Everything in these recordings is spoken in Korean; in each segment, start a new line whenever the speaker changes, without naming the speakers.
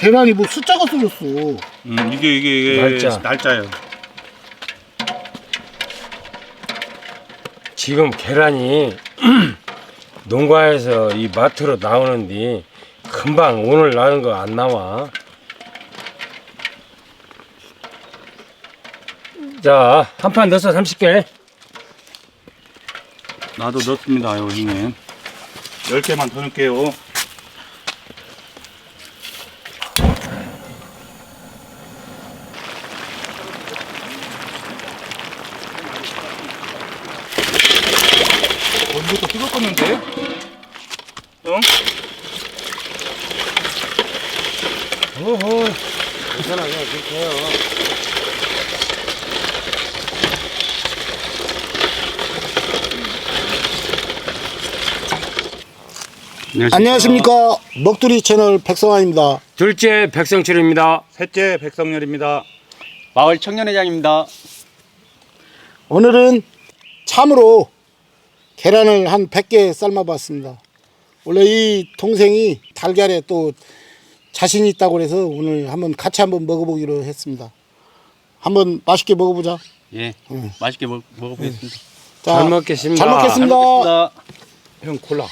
계란이 뭐 숫자가 써졌어.
이게 날짜예요.
지금 계란이 농가에서 이 마트로 나오는데 금방 오늘 나는 거 안 나와. 자, 한 판 넣어서 30개.
나도 넣습니다, 형님. 10개만 더 넣을게요. 이것도 뜨겁겠는데? 응?
어허, 괜찮아, 그냥 그렇게 해요.
안녕하십니까. 먹두리 채널 백성환입니다.
둘째 백성철입니다.
셋째 백성열입니다.
마을 청년회장입니다.
오늘은 참으로 계란을 한 100개 삶아봤습니다. 원래 이 동생이 달걀에 또 자신이 있다고 그래서 오늘 같이 한번 먹어보기로 했습니다. 한번 맛있게 먹어보자.
예, 맛있게 먹어보겠습니다.
자,
잘 먹겠습니다.
잘 먹겠습니다.
잘 먹겠습니다.
형 골라.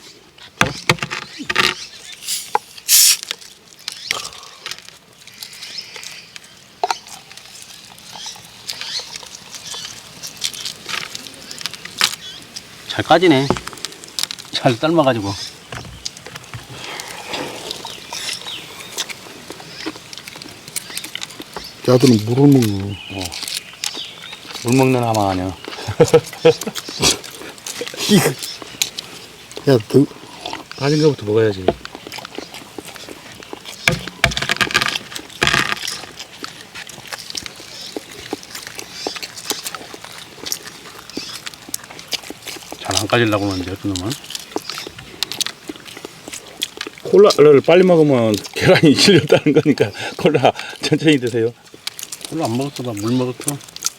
잘 까지네. 잘 삶아가지고.
야들은 물을 먹는.
물 먹는 하마 아니야.
야, 너,
빠진 거부터 먹어야지. 잘 안 까지려고 하는데, 그 놈은. 콜라를 빨리 먹으면 계란이 질렸다는 거니까 콜라 천천히 드세요.
별로 안 먹었어. 나 물 먹었어.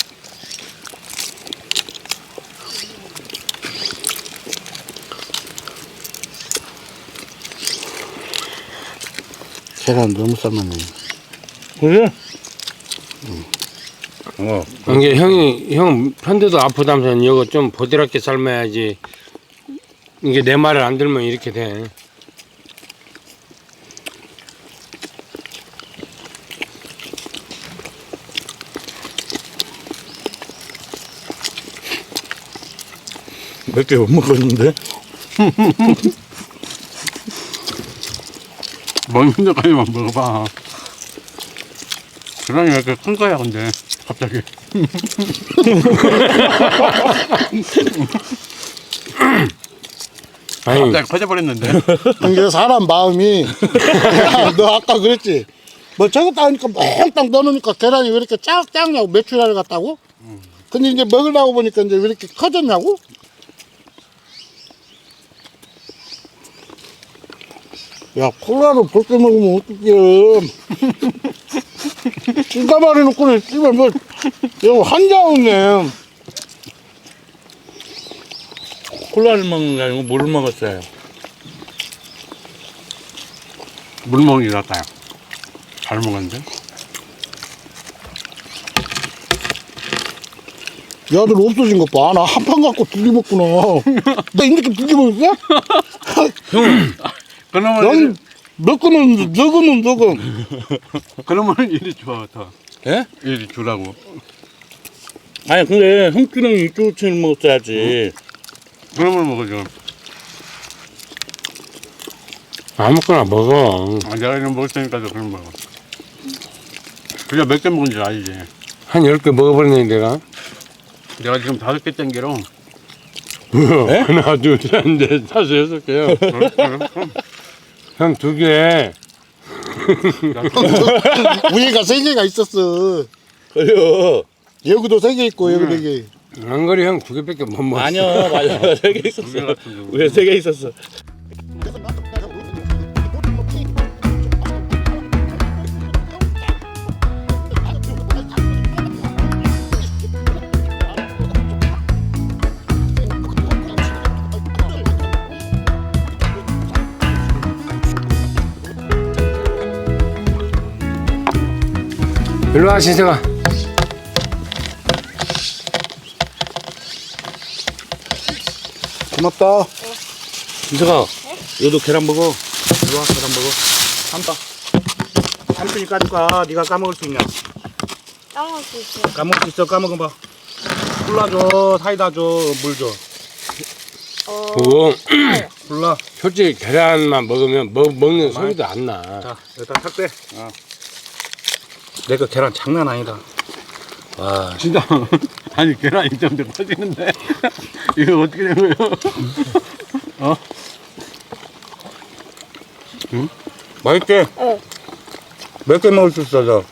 계란 너무 삶았네.
그래?
이게 형 편대도 아프다면서 이거 좀 보드랍게 삶아야지. 이게 내 말을 안 들으면 이렇게 돼.
몇 개 못 먹었는데?
먹는 데까지만 먹어봐. 계란이 왜 이렇게 큰 거야, 근데. 갑자기.
아니,
갑자기 커져버렸는데.
이게 사람 마음이 야, 너 아까 그랬지. 뭐 저거 따니까 몽땅 넣어놓으니까 계란이 왜 이렇게 작냐고 메추리알 같다고? 근데 이제 먹으려고 보니까 이제 왜 이렇게 커졌냐고? 야, 콜라를 볼때 먹으면 어떡해. 찌가마리 놓고는 씨발 뭐 이거 한자우네.
콜라를 먹는 게 아니고 물을 먹었어요.
물 먹는 게 낫다요. 잘 먹었는데.
야들 없어진 것 봐. 나 한 판 갖고 두 개 먹구나. 나 이렇게 두 개 먹었어?
그러면
난 먹고는 저거는
그러면 이리 줘, 더.
예?
이리 주라고.
아니 근데 형주는 이쪽을 먹었어야지.
그러면 먹어줘.
아무거나 먹어.
아, 내가 이거 먹을 테니까 그럼 먹어. 그냥 몇 개 먹은지 알지.
한 10개 먹어버리네, 내가.
내가 지금 5개 땡기로.
하나, 둘, 셋, 넷, 다섯, 6개요. 형 2개.
위에가 3개가 있었어.
그래요.
여기도 3개 있고 여기 4개.
한거리 형 2개밖에 못 먹어.
아니요, 맞아. 3개 있었어. 왜 3개 있었어?
일로 와, 신세가.
고맙다.
인석아, 너도 계란 먹어. 이리 와, 계란 먹어. 삼다. 삼촌이 까줄까? 네가 까먹을 수 있냐?
까먹을 수 있어.
까먹을 수 있어, 까먹어봐. 콜라 줘, 사이다 줘, 물 줘.
그거
콜라.
솔직히 계란만 먹으면 먹는 소리도 안 나.
자, 일단 탁 빼. 내가 계란 장난 아니다. 와,
진짜. 아니, 계란 입장도 터지는데. 이거 어떻게 된 거예요? 어?
맛있게?
응.
몇 개 먹을 수 있어, 저?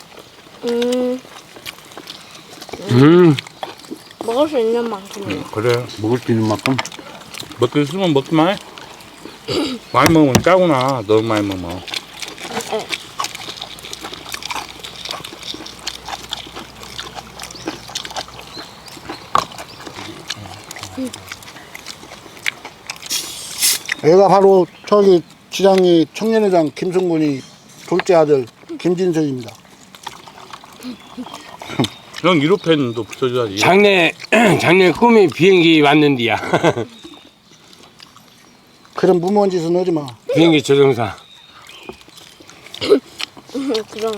먹을 수 있는 만큼이요.
그래.
먹을 수 있는 만큼.
먹기 있으면 먹기만 해. 많이 먹으면 짜구나. 너무 많이 먹으면.
얘가 바로 저기 지장이 청년회장 김승군이 둘째 아들 김진석입니다.
형 1호 팬도 붙여줘야지.
장래 꿈이 비행기 왔는디야.
그런 무모한 짓은 하지 마.
비행기 조종사.
그럼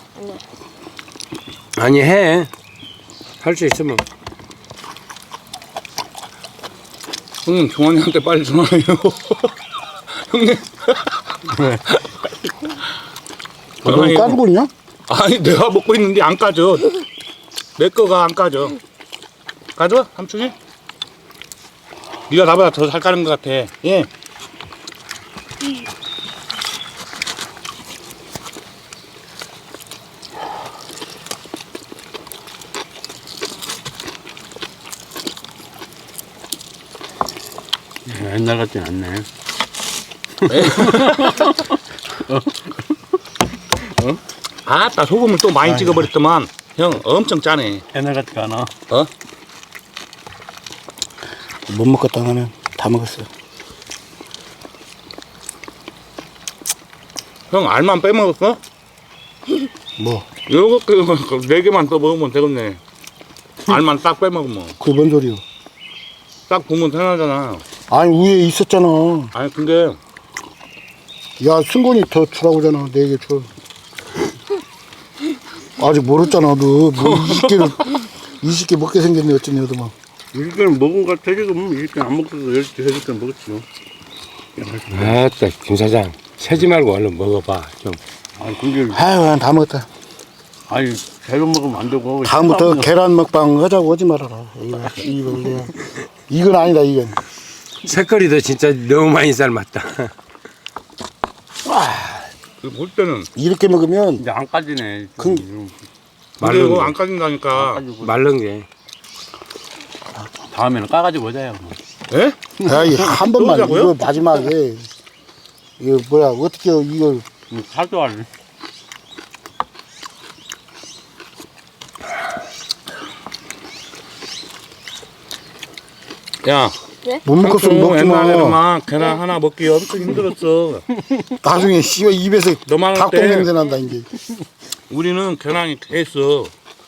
아니, 해. 할 수 있으면.
형님, 종환이한테 빨리 전화해요. 형님.
왜?
너 까주고 있냐?
아니, 내가 먹고 있는데 안 까져. 내 거가 안 까져. 까져? 삼촌이? 네가 나보다 더 잘 까는 것 같아. 예.
옛날 같진 않네.
아따, 소금을 또 많이 찍어버렸더만. 형, 엄청 짜네.
옛날 같지가 않아.
어?
못 먹겠다 나는. 다 먹었어.
형, 알만 빼먹었어?
뭐?
요렇게 4개만 더 먹으면 되겠네. 알만 딱 빼먹으면.
그게 뭔 소리야?
딱 보면 편하잖아.
아니 위에 있었잖아.
아니, 근데
야 승군이 더 주라고 하잖아. 4개 줘. 아직 모르잖아. 너 뭐 20개 먹게 생겼네 어쩌니 너도 막.
20개는 먹은 것 같아, 지금. 20개는 안 먹어도 10개는 먹었지.
아따, 김 사장. 세지 말고 얼른 먹어봐. 좀.
아니, 근데,
아유 난 다 먹었다.
아니, 잘못 먹으면 안 되고.
다음부터 계란 먹방 하자고 하지 말아라. 이건 아니다 이건.
색깔이도 진짜 너무 많이 삶았다.
볼 때는
이렇게 먹으면
이제 안 까지네.
그-
근데 이거 안 까진다니까.
말른 게.
다음에는 까가지고 오자요.
예?
야이 한 번만
쏘자고요?
이거 마지막에 이거 뭐야 어떻게 이걸
살도 안.
야,
못 먹겠으면
삼촌
먹지 마.
옛날에는 계란 하나 먹기 엄청 힘들었어.
나중에 씨발 입에서
너만 할
닭똥
때
냄새 난다 이제.
우리는 계란이 됐어.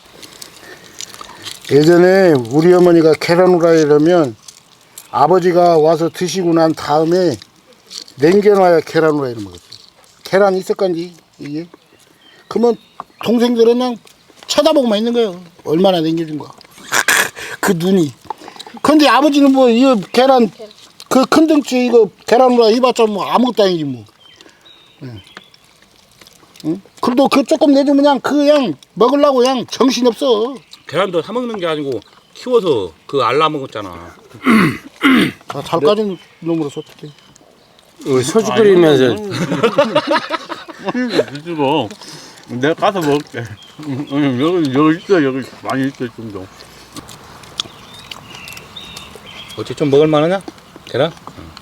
예전에 우리 어머니가 계란 후라이라면 아버지가 와서 드시고 난 다음에 냉겨놔야 계란 후라이를 먹었어요. 계란 있을건지 이게. 그러면 동생들은 그냥 쳐다보고만 있는 거예요. 얼마나 냉겨준 거야. 그 눈이. 근데 아버지는 뭐 이거 계란 그 큰 덩치 이거 계란 후라이 해봤자 뭐 아무것도 아니지 뭐. 응? 그래도 그 조금 내주면 그냥 먹으려고 그냥 정신 없어.
계란도 사 먹는 게 아니고 키워서 그 알라 먹었잖아.
아, 잘 까진 놈으로서 어떡해.
소주 끓이면서
드시고 내가 가서 먹을게. 여기 있어, 여기 많이 있어 좀 더.
어째 좀 먹을 만하냐? 계란?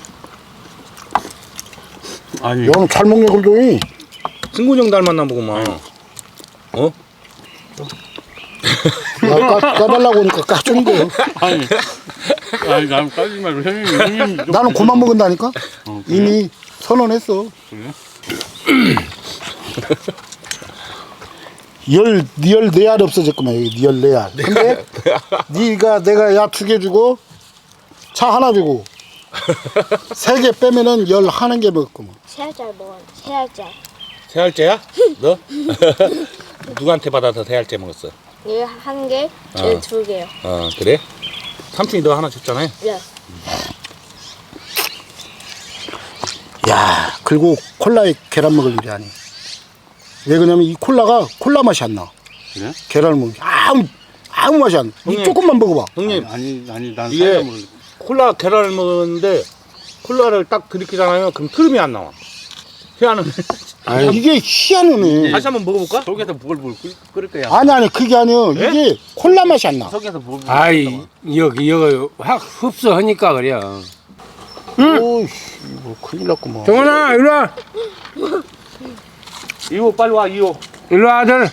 아니,
야는 잘 먹네 그래도.
승군형 닮았나 보구만. 어?
야, 까달라고 하니까 까주는 거야.
아니, 난 까지 말고 형님 좀.
나는 그만 먹은다니까. 이미 선언했어.
그래?
열 4알 없어졌구만 여기 열 4알. 근데 네가 내가 야 2개 주고 차 하나 주고 3개 빼면은 11개 먹었구만.
3알짜리 먹었는데 3알짜리.
세 알째야? 너? 누구한테 받아서 세 알째 먹었어?
얘 1개, 얘
어.
2개요.
그래? 삼촌이 너 하나 줬잖아요.
네.
야, 그리고 콜라에 계란 먹을 일이 아니야. 왜 그러냐면 이 콜라가 콜라 맛이 안 나.
그래?
계란을 먹으면 아무 맛이 안 나. 이
형님.
조금만 먹어봐.
형님,
아니 난
이게
사이다 먹을.
콜라 계란을 먹었는데 콜라를 딱 들이키잖아요. 그럼 트름이 안 나와. 희한은
이게 희한하네.
다시 한번 먹어볼까?
속에서 부글부글 끓을 거야.
아니 그게 아니야.
예?
이게 콜라 맛이 안 나.
속에서 부글부글.
아이 여기 확 흡수하니까 그래요.
오이씨, 이거 큰일 났구만.
정원아 일로 와.
이호 빨리 와 이호.
일로 와 아들.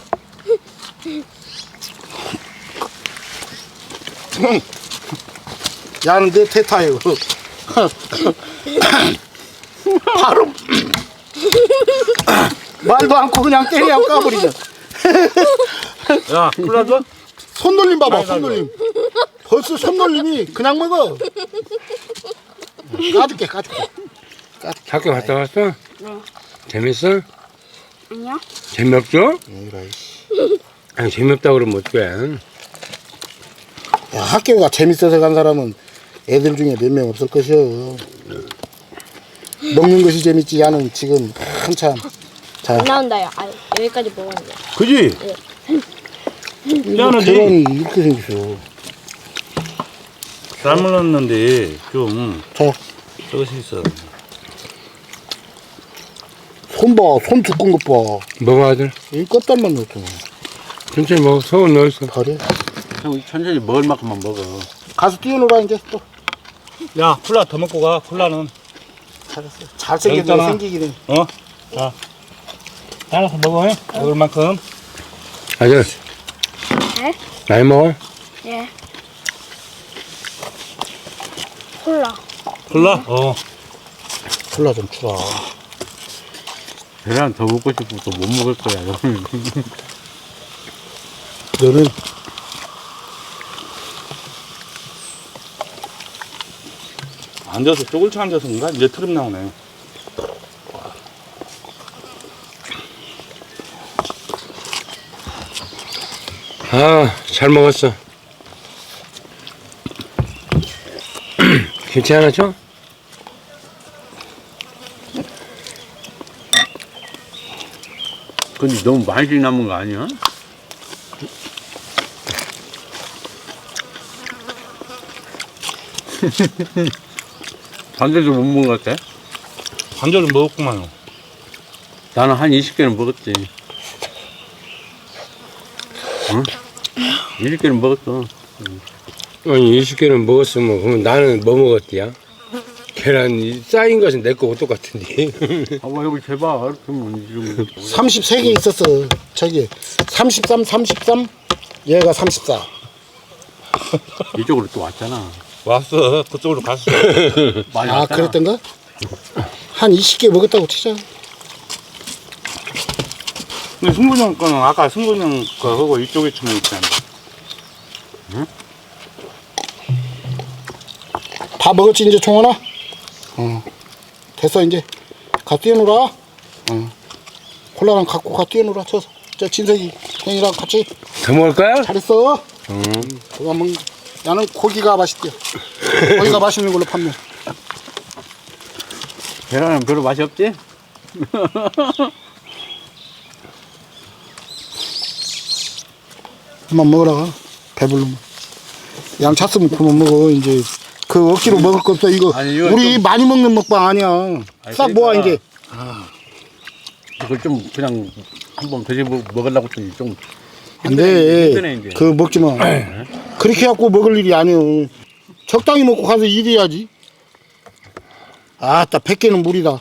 야는 내 태타요. 바로 말도 않고 그냥 때려 까버리자.
야 콜라 줘?
손놀림 봐봐,
아이고,
손놀림. 벌써 손놀림이 그냥 먹어. 까줄게.
학교 갔다 왔어? 재밌어?
아니요.
재미없어?
이라, 씨.
아니 재미없다 그러면 어떡해.
야, 학교가 재밌어서 간 사람은 애들 중에 몇 명 없을 것이요. 먹는 것이 재밌지. 야는 지금 한참. 자,
안 나온다요. 아, 여기까지 먹었는데.
그지? 야는
계란이 이렇게 생겼어.
잘 먹었는데 좀
자,
저것이 있어.
손 봐, 손 두꺼운 것 봐.
먹어 아들.
이 껍질만 넣었잖아.
천천히 먹어. 소금 넣었어.
그래?
형 천천히 먹을 만큼만 먹어.
가서 뛰어놀아 이제 또.
야 콜라 더 먹고 가. 콜라는
잘했어. 잘생겼네,
있잖아.
생기긴 해.
자 알아서 먹어. 먹을 만큼.
아들.
네?
많이 먹어.
예. 콜라.
콜라?
콜라 좀 주라.
계란 더 먹고 싶고 또 못 먹을 거야. 너는.
너는
앉아서 쪼글쳐 앉아서 뭔가 이제 트름 나오네.
잘 먹었어. 김치 하나 줘?
근데 너무 많이 남은 거 아니야? 반대도 못 먹은 것 같아?
관절은 먹었구만요.
나는 한 20개는 먹었지. 응? 20개는 먹었어.
아니 20개는 먹었으면 그러면 나는 뭐 먹었디야? 계란 쌓인 것은 내 거고 똑같은데.
아, 와, 여기 제발. 그러면 지금
33개 있었어. 저기 33. 얘가 34.
이쪽으로 또 왔잖아.
왔어. 그쪽으로 갔어.
많이
아,
왔잖아.
그랬던가? 한 20개 먹었다고 치자.
근데 승근이 형 거는 아까 승근이 형 거하고 이쪽에 치면 있잖아.
다 먹었지 이제 종원아? 됐어 이제. 가 뛰어놀아. 콜라랑 갖고 가 뛰어놀아. 저 진석이 형이랑 같이.
더 먹을 거야?
잘했어. 그거 한번 나는 고기가 맛있대. 고기가 맛있는 걸로 판매.
계란은 별로 맛이 없지?
한번 먹으라. 배불르면. 양 찼으면 그만 먹어. 이제 그 억지로 먹을 거 없어. 이거
아니, 이거
우리
좀-
많이 먹는 먹방 아니야. 싹 모아
그러니까
이제.
이걸 좀 그냥 한번 먹으려고 했더니 좀
안
힘드네,
돼.
이제.
그 먹지 마. 그렇게 갖고 먹을 일이 아니오. 적당히 먹고 가서 일해야지. 아따 100개는 무리다.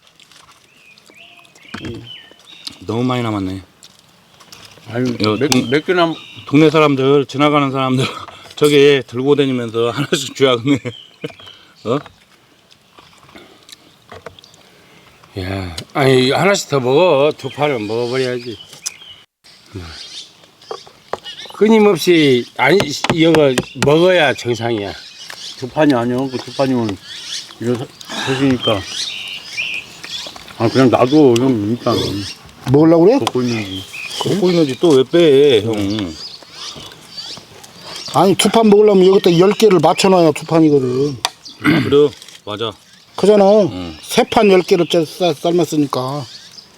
너무 많이 남았네.
아유,
이거
몇 개나
동네 사람들 지나가는 사람들 저기 들고 다니면서 하나씩 줘야겠네.
야, 아니 하나씩 더 먹어. 두 판은 먹어버려야지. 끊임없이 아니 이거 먹어야 정상이야.
두 판이 아니요. 그 두 판이면 이거 드시니까. 아 그냥 놔둬 형 일단
먹으려고 그래?
먹고 있는지.
먹고 있는지 또 왜 빼, 형?
아니, 두 판 먹으려면 여기다 10개를 맞춰놔야 두 판이거든.
그래, 맞아.
그잖아. 세 판 10개를 삶았으니까.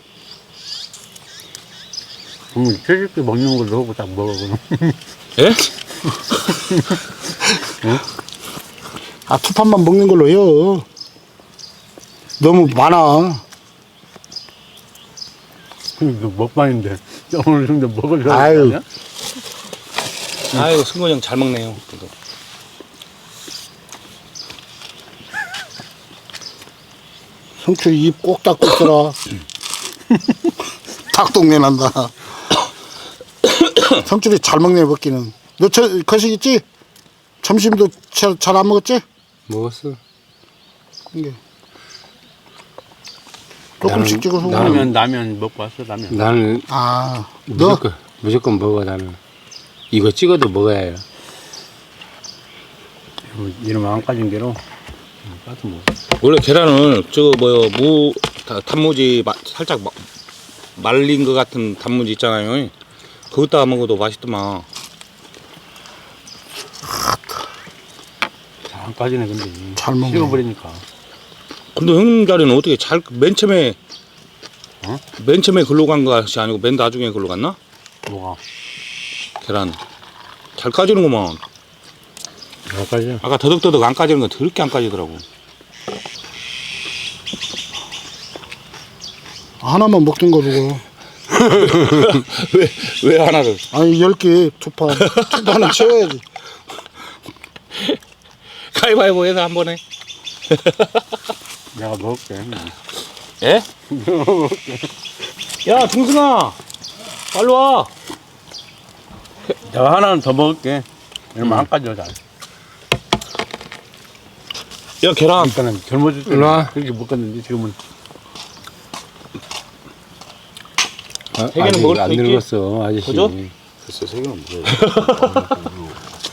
그럼 채집기 먹는 걸 넣고 딱 먹어 그럼.
예?
아, 두 판만 먹는 걸로 해요. 너무 많아.
이거 먹방인데 어느 정도 먹으려고
아유.
아니야?
아이고, 승건이 형 잘 먹네요. 그래도.
성추리 입 꼭 닫고 있어라. 닭동네 난다. 성추리 잘 먹네, 먹기는. 너 거식 있지? 점심도 잘 안 먹었지?
먹었어.
이게. 조금씩 찍어서.
라면 먹고 왔어 라면.
나는
아, 너?
무조건 먹어 나는. 이거 찍어도 먹어야 해요.
이러면 안 까진 게로 까서 먹어.
원래 계란을 저거 단무지 살짝 말린 것 같은 단무지 있잖아요. 거기다가 먹어도 맛있더만.
잘 안 까지네 근데.
잘 먹네.
식어버리니까.
근데 형님 자리는 어떻게 맨 처음에 글로 간 것이 아니고 맨 나중에 글로 갔나?
뭐가?
계란 잘 까지는구만.
안 까져?
아까 더덕더덕 안 까지는 건 더럽게 안 까지더라고.
하나만 먹던 거 누가.
왜 하나를?
아니, 10개, 두 판. 두 판은 채워야지.
가위바위보 해서 한 번에.
내가 먹을게.
예? 야, 중승아, 빨리 와.
내가 하나는 더 먹을게. 이러면 안 까져 잘.
야, 계란.
일단은 젊어질 때는
일로 와.
그렇게 먹었는데 지금은
세 개는
아직
먹을 수
안
있지?
늙었어 아저씨.
그죠?
글쎄, 세 개는 먹어야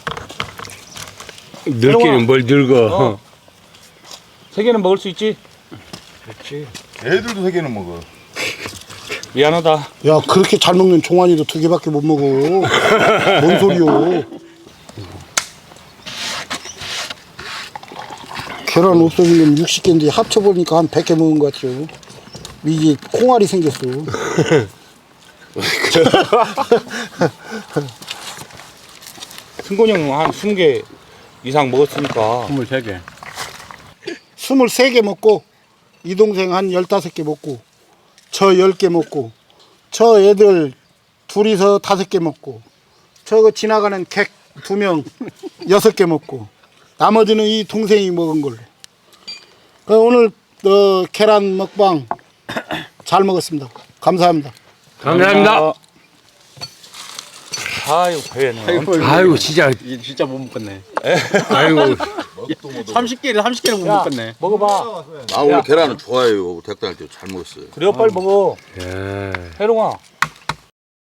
늙기는 뭘 늙어.
세 개는 먹을 수 있지?
애들도 3개는 먹어.
미안하다.
야, 그렇게 잘 먹는 종환이도 2개밖에 못 먹어. 뭔 소리요. 계란 없어지면 60개인데 합쳐보니까 한 100개 먹은 것 같아요. 이게 콩알이 생겼어.
승곤이 형 한 20개 이상 먹었으니까.
23개.
23개 먹고, 이 동생 한 15개 먹고, 저 10개 먹고, 저 애들 둘이서 5개 먹고, 저거 지나가는 객 2명 6개 먹고, 나머지는 이 동생이 먹은 걸로. 오늘 계란 먹방 잘 먹었습니다. 감사합니다.
감사합니다.
아이고, 배는.
아이고 진짜.
이게 진짜 못 먹겠네.
아이고
30개를 못 먹겠네.
먹어봐.
나 원래 계란은 좋아해요. 대학교 다닐 때 잘 먹었어요.
그래요, 빨리 먹어.
예.
해롱아.